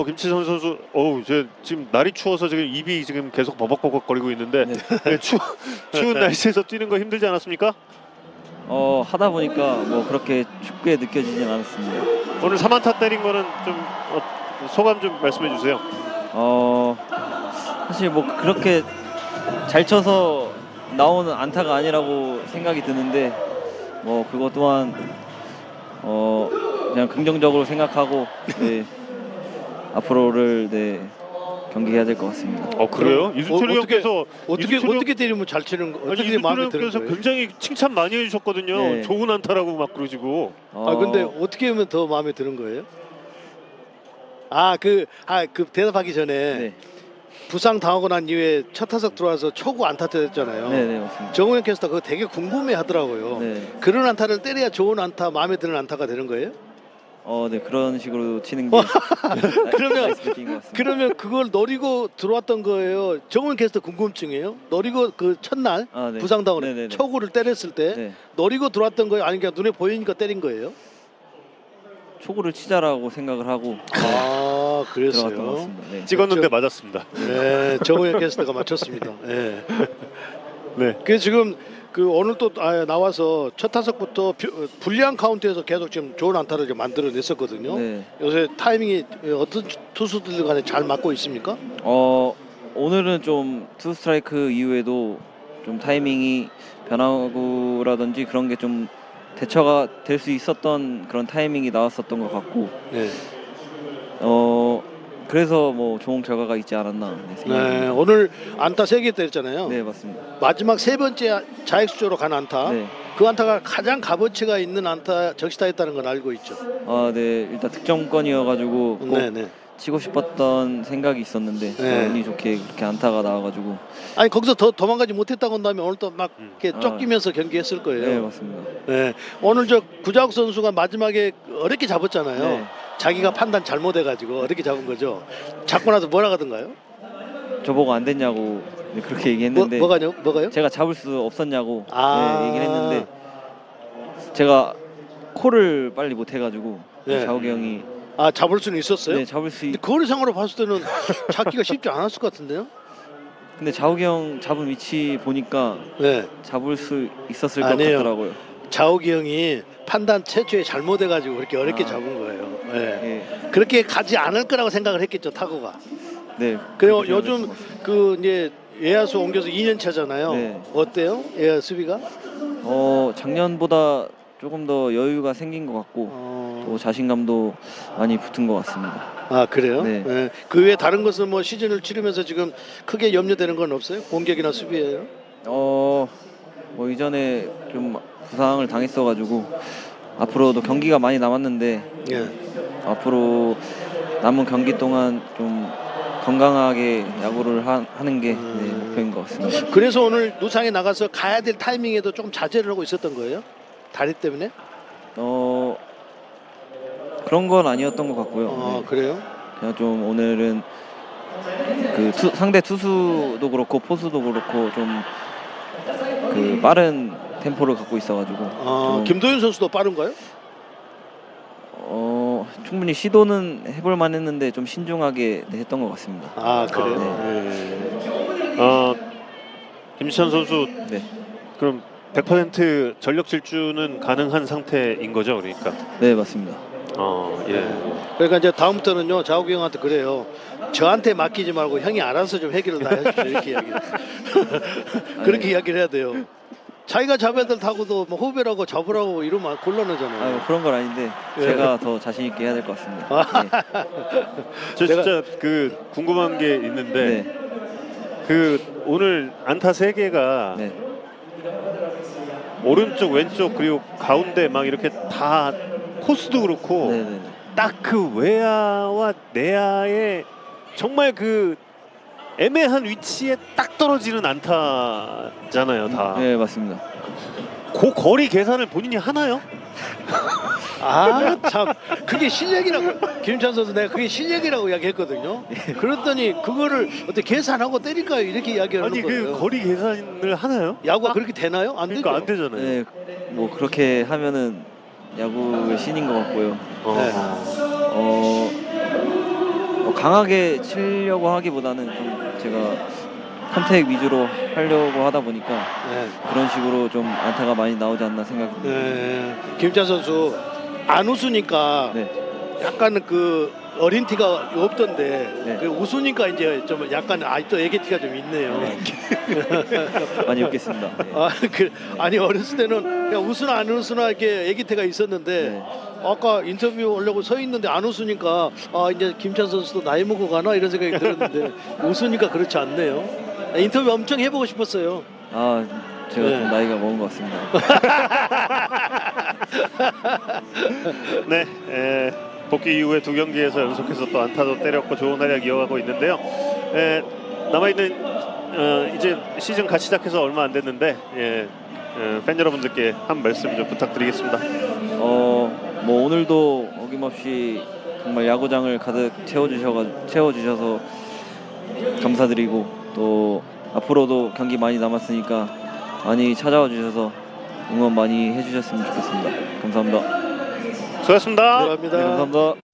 김치선 선수, 지금 날이 추워서 지금 입이 지금 계속 버벅버벅거리고 있는데 네. 네, 추운 날씨에서 뛰는 거 힘들지 않았습니까? 하다 보니까 뭐 그렇게 춥게 느껴지진 않았습니다. 오늘 3안타 때린 거는 좀 소감 좀 말씀해 주세요. 사실 뭐 그렇게 잘 쳐서 나오는 안타가 아니라고 생각이 드는데 뭐 그것 또한 그냥 긍정적으로 생각하고 네, 앞으로를 네, 경기해야 될 것 같습니다. 그래요? 이순철 형께서 어떻게 때리면 잘 치는 거? 어떻게 이순철 마음에 드는 형께서 거예요? 굉장히 칭찬 많이 해주셨거든요. 네. 좋은 안타라고 막 그러시고. 근데 어떻게 하면 더 마음에 드는 거예요? 그 대답하기 전에 네, 부상 당하고 난 이후에 첫 타석 들어와서 초구 안타 때렸잖아요. 네, 맞습니다. 정우영 캐스터 그거 되게 궁금해 하더라고요. 네, 그런 안타를 때려야 좋은 안타, 마음에 드는 안타가 되는 거예요? 네 그런 식으로 치는 게 그러면- 나이스 배팅인 것 같습니다. 그러면 그걸 노리고 들어왔던 거예요? 정우영 캐스터 궁금증이에요? 노리고 그 첫날 네. 부상 당하고 네네네. 초구를 때렸을 때 네, 노리고 들어왔던 거예요? 아니면 그냥 눈에 보이니까 때린 거예요? 초구를 치자라고 생각을 하고 아, 들어갔던 것 그랬어요. 같습니다. 네. 찍었는데 맞았습니다. 네, 정우영 캐스터가 맞췄습니다. 네. 네. 그 지금 오늘 또 나와서 첫 타석부터 불리한 카운트에서 계속 지금 좋은 안타를 좀 만들어냈었거든요. 네. 요새 타이밍이 어떤 투수들 간에 잘 맞고 있습니까? 오늘은 좀 투 스트라이크 이후에도 좀 타이밍이 변화구라든지 그런 게 좀 대처가 될 수 있었던 그런 타이밍이 나왔었던 것 같고 네. 그래서 뭐 좋은 결과가 있지 않았나 네, 생각합니다. 오늘 안타 3개 때렸잖아요. 네, 맞습니다. 마지막 세 번째 자익수조로 간 안타. 네. 그 안타가 가장 값어치가 있는 안타 적시타했다는 건 알고 있죠. 네, 일단 득점권이어가지고 꼭 네네. 치고 싶었던 생각이 있었는데 네. 운이 좋게 그렇게 안타가 나와가지고 아니 거기서 더 도망가지 못했다고 한다면 오늘 또 막 이렇게 아. 쫓기면서 경기했을 거예요. 네, 맞습니다. 네. 오늘 구자욱 선수가 마지막에 어렵게 잡았잖아요. 네. 자기가 판단 잘못해가지고 어렵게 잡은 거죠. 잡고 나서 뭐라 하던가요? 저보고 안 됐냐고 네, 그렇게 얘기했는데 뭐가요? 제가 잡을 수 없었냐고 아. 네, 얘기를 했는데 제가 콜을 빨리 못 해가지고 네. 자욱이 형이 잡을 수는 있었어요? 네, 잡을 수 근데 거리상으로 봤을 때는 잡기가 쉽지 않았을 것 같은데요? 근데 자욱이 형 잡은 위치 보니까 네. 잡을 수 있었을 것 아니에요. 같더라고요. 자욱이 형이 판단 최초에 잘못해가지고 그렇게 어렵게 아. 잡은 거예요. 네. 예. 그렇게 가지 않을 거라고 생각을 했겠죠, 타구가. 네. 그리고 그렇게 요즘 생각했던 것 같습니다. 이제 외야수 옮겨서 2년 차잖아요. 네. 어때요? 외야 수비가? 작년보다 조금 더 여유가 생긴 것 같고 또 자신감도 많이 붙은 것 같습니다. 그래요? 네. 네. 그 외에 다른 것은 뭐 시즌을 치르면서 지금 크게 염려되는 건 없어요? 공격이나 수비예요? 뭐 이전에 좀 부상을 당했어가지고 앞으로도 경기가 많이 남았는데 예. 앞으로 남은 경기 동안 좀 건강하게 야구를 하는 게 네, 목표인 것 같습니다. 그래서 오늘 누상에 나가서 가야 될 타이밍에도 조금 자제를 하고 있었던 거예요? 다리 때문에? 그런 건 아니었던 것 같고요. 네. 그래요? 그냥 좀 오늘은 상대 투수도 그렇고 포수도 그렇고 좀 빠른 템포를 갖고 있어가지고 좀, 김도윤 선수도 빠른가요? 충분히 시도는 해볼 만했는데 좀 신중하게 했던 것 같습니다. 그래요? 네. 김시찬 선수 네, 그럼 100% 전력 질주는 가능한 상태인 거죠, 그러니까. 네 맞습니다. 예. 그러니까 이제 다음부터는요, 자욱이 형한테 그래요. 저한테 맡기지 말고 형이 알아서 좀 해결을 다 해주세요. 이렇게 이야기를. 그렇게 이야기를 해야 돼요. 자기가 잡아야 될 타구도 뭐 후배라고 잡으라고 이러면 곤란하잖아요. 뭐 그런 건 아닌데 예. 제가 더 자신 있게 해야 될 것 같습니다. 네. 저 진짜 궁금한 게 있는데 네. 오늘 안타 3개가 네. 오른쪽 왼쪽 그리고 가운데 막 이렇게 다 코스도 그렇고 네, 네. 딱 그 외야와 내야의 정말 애매한 위치에 딱 떨어지는 안타잖아요, 다. 네 맞습니다. 그 거리 계산을 본인이 하나요? 참 그게 실력이라고. 김찬 선수 내가 그게 실력이라고 이야기했거든요. 그랬더니 그거를 어떻게 계산하고 때릴까요? 이렇게 이야기하는 아니 거예요. 거리 계산을 하나요? 야구가 그렇게 되나요? 안 그러니까 안 되죠. 되잖아요. 네, 뭐 그렇게 하면은 야구의 신인 것 같고요. 네. 강하게 치려고 하기보다는 좀 제가 컨택 위주로 하려고 하다 보니까 네. 그런 식으로 좀 안타가 많이 나오지 않나 생각합니다. 네. 김찬 선수 안 웃으니까 네. 약간 그 어린 티가 없던데 네. 그 웃으니까 이제 좀 약간 아직도 애기 티가 좀 있네요. 많이 웃겠습니다. 네. 아니 어렸을 때는 그냥 웃으나 안 웃으나 이렇게 애기 티가 있었는데 네. 아까 인터뷰 하려고 서 있는데 안 웃으니까 아 이제 김찬 선수도 나이 먹어 가나 이런 생각이 들었는데 웃으니까 그렇지 않네요. 인터뷰 엄청 해보고 싶었어요. 아 제가 네. 좀 나이가 먹은 것 같습니다. 네, 복귀 이후에 두 경기에서 연속해서 또 안타도 때렸고 좋은 활약 이어가고 있는데요. 남아있는 이제 시즌 같이 시작해서 얼마 안 됐는데 팬 여러분들께 한 말씀 좀 부탁드리겠습니다. 뭐 오늘도 어김없이 정말 야구장을 가득 채워주셔서 감사드리고 또 앞으로도 경기 많이 남았으니까 많이 찾아와 주셔서 응원 많이 해주셨으면 좋겠습니다. 감사합니다. 수고하셨습니다. 감사합니다. 네, 감사합니다.